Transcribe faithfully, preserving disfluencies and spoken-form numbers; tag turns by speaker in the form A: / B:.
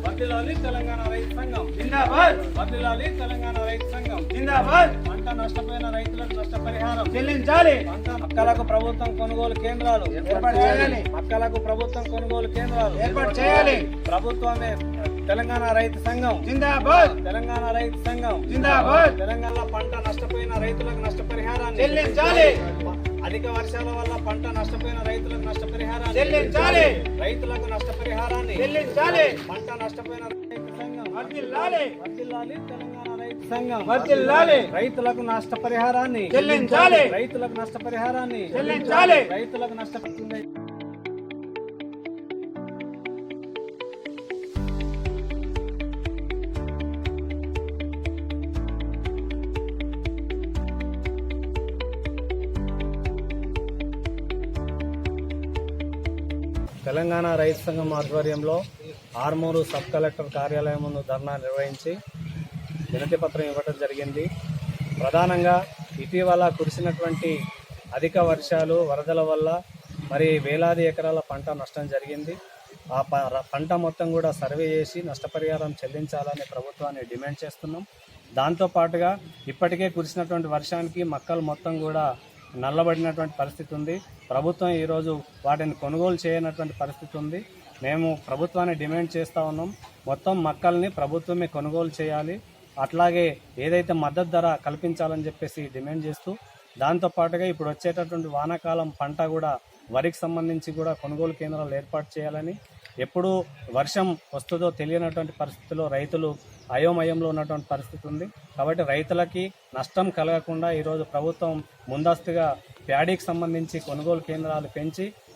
A: వర్ధిల్లాలి తెలంగాణ రైతు సంఘం
B: జిందాబాద్.
A: వర్ధిల్లాలి తెలంగాణ రైతు సంఘం
B: జిందాబాద్.
A: పంట నష్టపోయిన రైతులకు నష్టపరిహారం
B: చెల్లించాలి.
A: పంట మక్కలకు ప్రభుత్వం కొనుగోలు కేంద్రాలు
B: ఏర్పాటు చేయాలి.
A: మక్కలకు ప్రభుత్వం కొనుగోలు కేంద్రాలు
B: ఏర్పాటు చేయాలి.
A: ప్రభుత్వమే తెలంగాణ రైతు సంఘం
B: జిందాబాద్.
A: తెలంగాణ రైతు సంఘం
B: జిందాబాద్.
A: తెలంగాణ పంట నష్టపోయిన రైతులకు నష్టపరిహారాన్ని
B: చెల్లించాలి.
A: అధిక వర్షాల వల్ల పంట నష్టపోయిన రైతులకు నష్టపరిహారాన్ని
B: చెల్లించాలి.
A: రైతులకు నష్టపరిహారాన్ని
B: చెల్లించాలి.
A: పంట నష్టపోయిన రైతు సంఘం
B: వర్ధిల్లాలి.
A: వర్ధిల్లాలి తెలంగాణ రైతు సంఘం
B: వర్ధిల్లాలి.
A: రైతులకు నష్టపరిహారాన్ని
B: చెల్లించాలి.
A: రైతులకు నష్టపరిహారాన్ని
B: చెల్లించాలి.
A: రైతులకు నష్టపడుతుంది. తెలంగాణ రైతు సంఘం ఆధ్వర్యంలో ఆర్మూరు సబ్ కలెక్టర్ కార్యాలయం ముందు ధర్నా నిర్వహించి వినతి పత్రం ఇవ్వడం జరిగింది. ప్రధానంగా ఇటీవల కురిసినటువంటి అధిక వర్షాలు వరదల వల్ల మరి వేలాది ఎకరాల పంట నష్టం జరిగింది. ఆ పంట మొత్తం కూడా సర్వే చేసి నష్టపరిహారం చెల్లించాలని ప్రభుత్వాన్ని డిమాండ్ చేస్తున్నాం. దాంతోపాటుగా ఇప్పటికే కురిసినటువంటి వర్షానికి మక్కలు మొత్తం కూడా నల్లబడినటువంటి పరిస్థితి ఉంది. ప్రభుత్వం ఈరోజు వాటిని కొనుగోలు చేయనటువంటి పరిస్థితి ఉంది. మేము ప్రభుత్వాన్ని డిమాండ్ చేస్తూ ఉన్నాం, మొత్తం మక్కల్ని ప్రభుత్వమే కొనుగోలు చేయాలి, అట్లాగే ఏదైతే మద్దతు ధర కల్పించాలని చెప్పేసి డిమాండ్ చేస్తూ, దాంతోపాటుగా ఇప్పుడు వచ్చేటటువంటి వానాకాలం పంట కూడా వరికి సంబంధించి కూడా కొనుగోలు కేంద్రాలు ఏర్పాటు చేయాలని, ఎప్పుడు వర్షం వస్తుందో తెలియనటువంటి పరిస్థితిలో రైతులు అయోమయంలో ఉన్నటువంటి పరిస్థితి ఉంది. కాబట్టి రైతులకి నష్టం కలగకుండా ఈరోజు ప్రభుత్వం ముందస్తుగా ప్యాడీకి సంబంధించి కొనుగోలు కేంద్రాలు పెంచి